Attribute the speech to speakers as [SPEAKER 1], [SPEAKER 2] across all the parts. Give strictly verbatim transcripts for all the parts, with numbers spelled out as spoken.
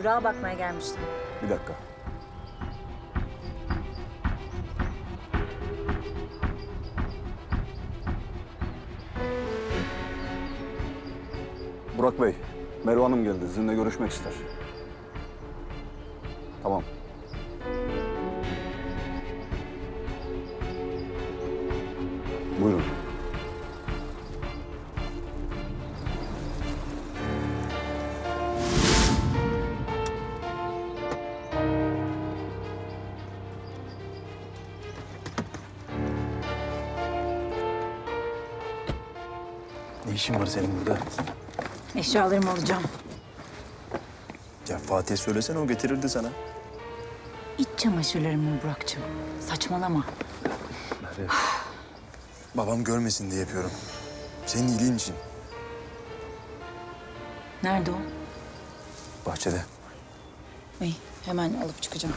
[SPEAKER 1] Burak'a bakmaya gelmiştim.
[SPEAKER 2] Bir dakika. Burak Bey, Merve Hanım geldi. Sizinle görüşmek ister. Tamam. Buyurun.
[SPEAKER 3] Ne işin var senin burada?
[SPEAKER 1] Eşyalarımı alacağım.
[SPEAKER 3] Ya Fatih'e söylesene, o getirirdi sana.
[SPEAKER 1] İç çamaşırlarımı Burak'cığım. Saçmalama.
[SPEAKER 3] Merve. Babam görmesin diye yapıyorum. Senin iyiliğin için.
[SPEAKER 1] Nerede o?
[SPEAKER 3] Bahçede.
[SPEAKER 1] İyi, hemen alıp çıkacağım.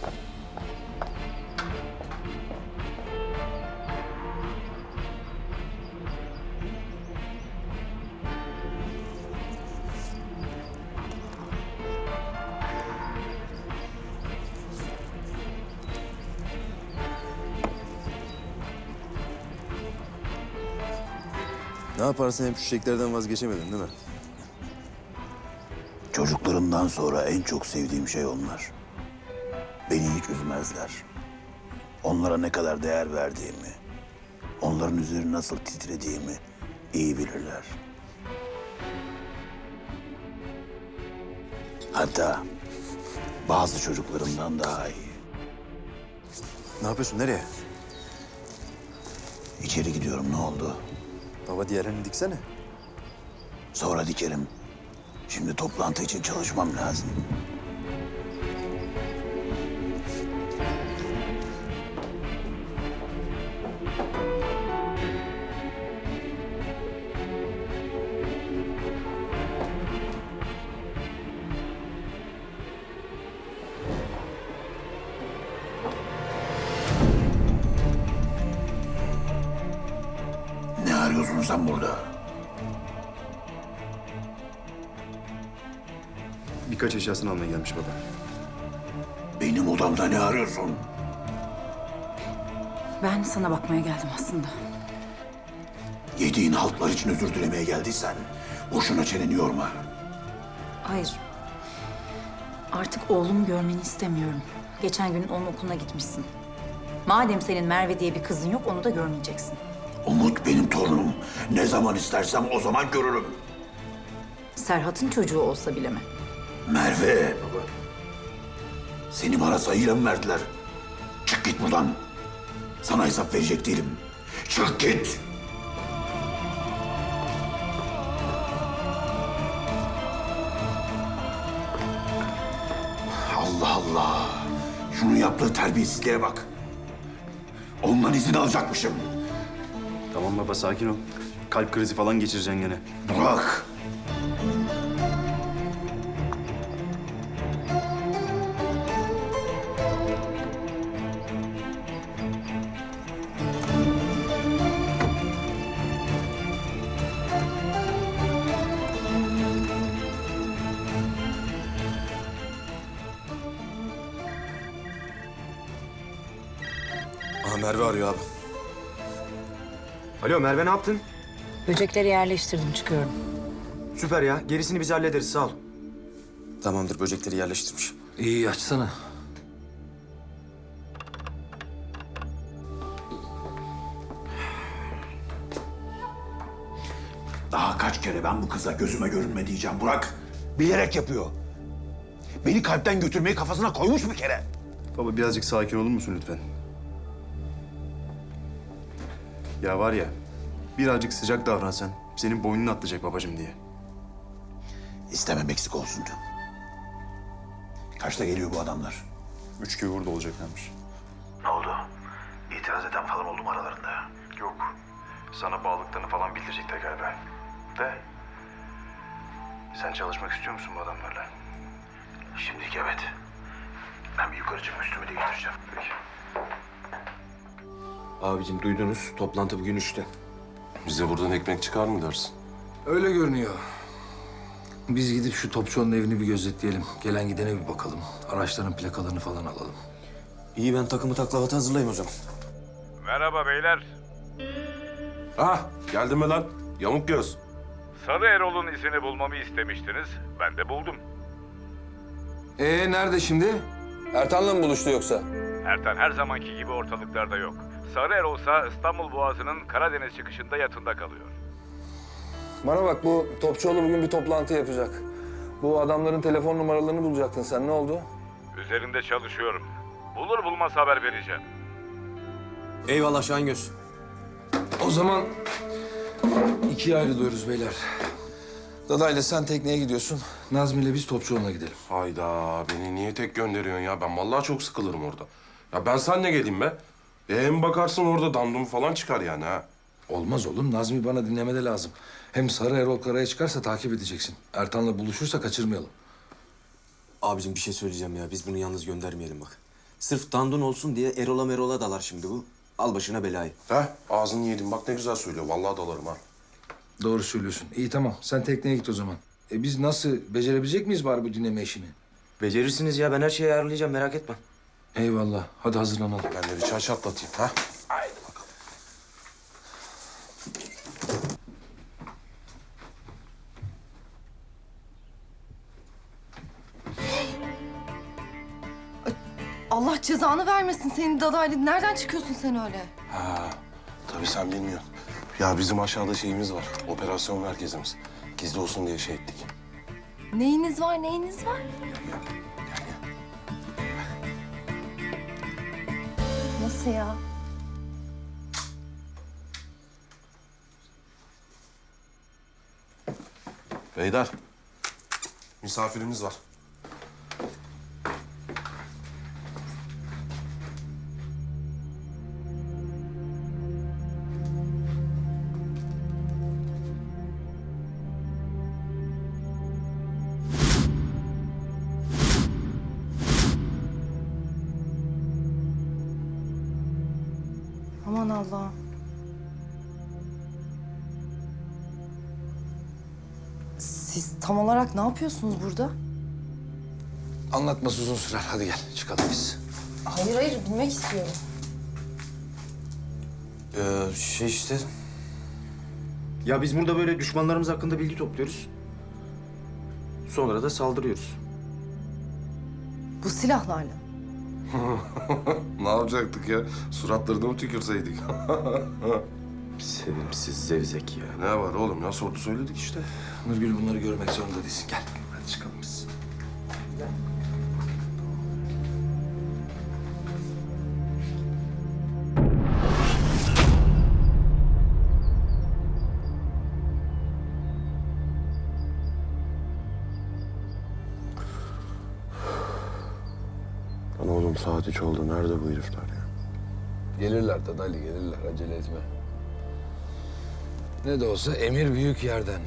[SPEAKER 3] Ne yaparsın, hep şu çiçeklerden vazgeçemedin değil mi?
[SPEAKER 4] Çocuklarımdan sonra en çok sevdiğim şey onlar. Beni hiç üzmezler. Onlara ne kadar değer verdiğimi, onların üzerine nasıl titrediğimi iyi bilirler. Hatta bazı çocuklarımdan daha iyi.
[SPEAKER 3] Ne yapıyorsun, nereye?
[SPEAKER 4] İçeri gidiyorum, ne oldu?
[SPEAKER 3] Baba, diğerlerini diksene.
[SPEAKER 4] Sonra dikerim. Şimdi toplantı için çalışmam lazım. Ne arıyorsun sen burada?
[SPEAKER 3] Birkaç eşyasını almaya gelmiş baba.
[SPEAKER 4] Benim odamda ne arıyorsun?
[SPEAKER 1] Ben sana bakmaya geldim aslında.
[SPEAKER 4] Yediğin haltlar için özür dilemeye geldiysen boşuna çeneni yorma.
[SPEAKER 1] Hayır. Artık oğlumu görmeni istemiyorum. Geçen gün onun okuluna gitmişsin. Madem senin Merve diye bir kızın yok, onu da görmeyeceksin.
[SPEAKER 4] Umut benim torunum. Ne zaman istersem o zaman görürüm.
[SPEAKER 1] Serhat'ın çocuğu olsa bile mi?
[SPEAKER 4] Merve. Baba. Seni bana sayıyla mı verdiler? Çık git buradan. Sana hesap verecek değilim. Çık git. Allah Allah. Şunun yaptığı terbiyesizliğe bak. Ondan izin alacakmışım.
[SPEAKER 3] Tamam baba, sakin ol. Kalp krizi falan geçireceksin gene.
[SPEAKER 4] Bırak.
[SPEAKER 3] Aha, Merve arıyor abi.
[SPEAKER 5] Alo Merve, ne yaptın?
[SPEAKER 1] Böcekleri yerleştirdim, çıkıyorum.
[SPEAKER 5] Süper ya. Gerisini biz hallederiz, sağ ol.
[SPEAKER 3] Tamamdır, böcekleri yerleştirmiş.
[SPEAKER 6] İyi, açsana.
[SPEAKER 4] Daha kaç kere ben bu kıza gözüme görünme diyeceğim Burak. Bilerek yapıyor. Beni kalpten götürmeyi kafasına koymuş bir kere.
[SPEAKER 3] Baba, birazcık sakin olur musun lütfen? Ya var ya, birazcık sıcak davransan senin boynunu atlayacak babacığım diye.
[SPEAKER 4] İstemem eksik olsun. Kaçta geliyor bu adamlar?
[SPEAKER 3] Üç gibi burada olacaklarmış.
[SPEAKER 4] Ne oldu? İtiraz eden falan oldu mu aralarında?
[SPEAKER 3] Yok. Sana bağlılıklarını falan bildirecekler galiba. De. Sen çalışmak istiyor musun bu adamlarla?
[SPEAKER 4] Şimdilik evet. Ben bir yukarı çıkıp üstümü değiştireceğim.
[SPEAKER 3] Peki.
[SPEAKER 6] Abicim duydunuz, toplantı bugün üçte.
[SPEAKER 7] Bize buradan ekmek çıkar mı dersin?
[SPEAKER 6] Öyle görünüyor.
[SPEAKER 7] Biz gidip şu Topçuoğlu'nun evini bir gözetleyelim. Gelen gidene bir bakalım. Araçların plakalarını falan alalım.
[SPEAKER 5] İyi ben takımı taklavatı hazırlayayım o zaman.
[SPEAKER 8] Merhaba beyler.
[SPEAKER 9] Ah, geldin mi lan? Yamuk göz.
[SPEAKER 8] Sarı Erol'un izini bulmamı istemiştiniz. Ben de buldum.
[SPEAKER 6] Ee nerede şimdi? Ertan'la mı buluştu yoksa?
[SPEAKER 8] Ertan her zamanki gibi ortalıklarda yok. Sarı Erol ise İstanbul Boğazı'nın Karadeniz çıkışında yatında kalıyor.
[SPEAKER 6] Bana bak, bu Topçuoğlu bugün bir toplantı yapacak. Bu adamların telefon numaralarını bulacaktın sen. Ne oldu?
[SPEAKER 8] Üzerinde çalışıyorum. Bulur bulmaz haber vereceğim.
[SPEAKER 5] Eyvallah Şahingöz.
[SPEAKER 7] O zaman ikiye ayrılıyoruz beyler. Dadayla sen tekneye gidiyorsun. Nazmi ile biz Topçuoğlu'na gidelim.
[SPEAKER 9] Hayda, beni niye tek gönderiyorsun ya? Ben vallahi çok sıkılırım orada. Ya ben seninle geleyim be. E, hem bakarsın orada dandum falan çıkar yani ha.
[SPEAKER 7] Olmaz oğlum. Nazmi bana dinlemede lazım. Hem Sarı Erol karaya çıkarsa takip edeceksin. Ertan'la buluşursa kaçırmayalım.
[SPEAKER 5] Abicim bir şey söyleyeceğim ya. Biz bunu yalnız göndermeyelim bak. Sırf dandun olsun diye Erol'a Merol'a dalar şimdi bu. Al başına belayı.
[SPEAKER 9] Ha, ağzını yedim. Bak ne güzel söylüyor. Vallahi dalarım ha.
[SPEAKER 7] Doğru söylüyorsun. İyi tamam. Sen tekneye git o zaman. E biz nasıl? Becerebilecek miyiz bari bu dinleme işini?
[SPEAKER 5] Becerirsiniz ya. Ben her şeyi ayarlayacağım. Merak etme.
[SPEAKER 7] Eyvallah. Hadi hazırlanalım.
[SPEAKER 9] Ben de bir çay çatlatayım ha. Haydi bakalım.
[SPEAKER 10] Allah cezanı vermesin senin dadaylı. Nereden çıkıyorsun sen öyle?
[SPEAKER 9] Ha, tabii sen bilmiyorsun. Ya bizim aşağıda şeyimiz var. Operasyon merkezimiz. Gizli olsun diye şey ettik.
[SPEAKER 10] Neyiniz var, neyiniz var? Nasıl ya?
[SPEAKER 9] Beyler, misafirimiz var.
[SPEAKER 10] Aman Allah'ım. Siz tam olarak ne yapıyorsunuz burada?
[SPEAKER 7] Anlatması uzun sürer. Hadi gel. Çıkalım biz.
[SPEAKER 10] Hayır hayır bilmek istiyorum.
[SPEAKER 5] Ee, şey işte... Ya biz burada böyle düşmanlarımız hakkında bilgi topluyoruz. Sonra da saldırıyoruz.
[SPEAKER 10] Bu silahlarla.
[SPEAKER 9] Ne yapacaktık ya? Suratlarına mı tükürseydik?
[SPEAKER 5] Sevimsiz zevzek ya.
[SPEAKER 9] Ne var oğlum ya? Sordu söyledik işte.
[SPEAKER 7] Nurgül bunları görmek zorunda değilsin. Gel. Hadi çıkalım biz.
[SPEAKER 9] Lan oğlum saat üç oldu. Nerede bu herifler ya?
[SPEAKER 7] Gelirler Dadaylı gelirler. Acele etme. Ne de olsa emir büyük yerden.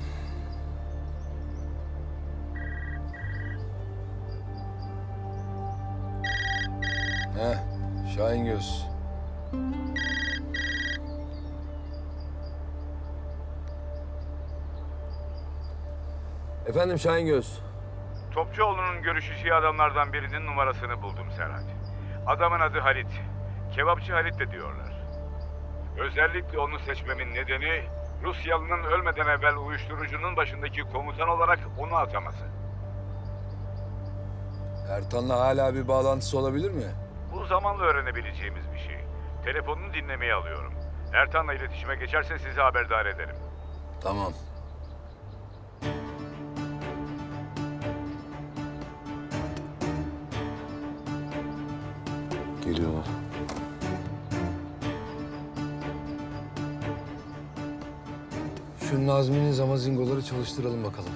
[SPEAKER 7] Heh, Şahingöz. Efendim Şahingöz.
[SPEAKER 8] Topçuoğlu'nun görüşeceği adamlardan birinin numarasını buldum Serhat. Adamın adı Halit. Kebapçı Halit de diyorlar. Özellikle onu seçmemin nedeni Rusyalı'nın ölmeden evvel uyuşturucunun başındaki komutan olarak onu ataması.
[SPEAKER 7] Ertan'la hala bir bağlantısı olabilir mi?
[SPEAKER 8] Bu zamanla öğrenebileceğimiz bir şey. Telefonunu dinlemeye alıyorum. Ertan'la iletişime geçerse sizi haberdar ederim.
[SPEAKER 7] Tamam.
[SPEAKER 9] Geliyorlar.
[SPEAKER 7] Şu Nazmi'nin zamazingoları çalıştıralım bakalım.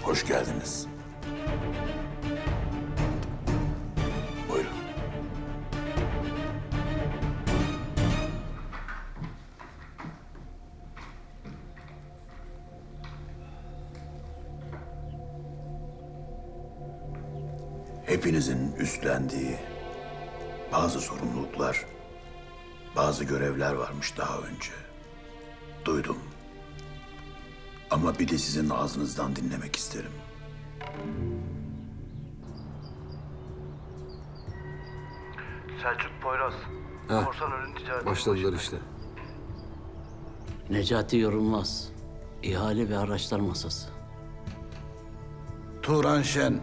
[SPEAKER 4] Hoş geldiniz. Buyurun. Hepinizin üstlendiği bazı sorumluluklar, bazı görevler varmış daha önce. Duydum. Ama bir de sizin ağzınızdan dinlemek isterim.
[SPEAKER 3] Selçuk Poyraz.
[SPEAKER 7] Ha,
[SPEAKER 3] Korsan ürün ticareti.
[SPEAKER 7] başladılar işte.
[SPEAKER 11] Necati Yorulmaz. İhale ve araçlar masası.
[SPEAKER 4] Turan Şen.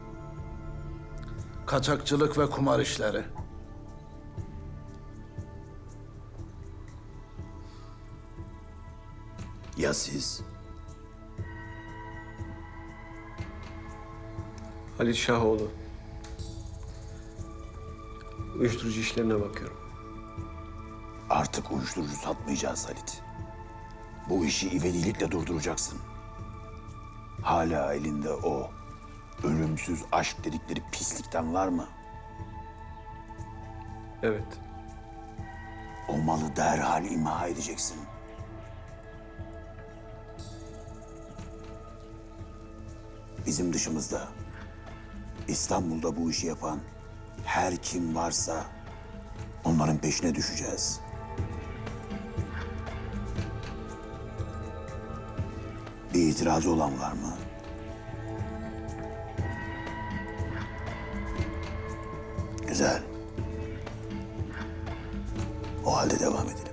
[SPEAKER 4] Kaçakçılık ve kumar işleri. Ya siz?
[SPEAKER 12] Halit Şahoğlu. Uyuşturucu işlerine bakıyorum.
[SPEAKER 4] Artık uyuşturucu satmayacağız Halit. Bu işi ivedilikle durduracaksın. Hala elinde o ölümsüz aşk dedikleri pislikten var mı?
[SPEAKER 12] Evet.
[SPEAKER 4] O malı derhal imha edeceksin. Bizim dışımızda İstanbul'da bu işi yapan her kim varsa onların peşine düşeceğiz. Bir itirazı olan var mı? Güzel. O halde devam edelim.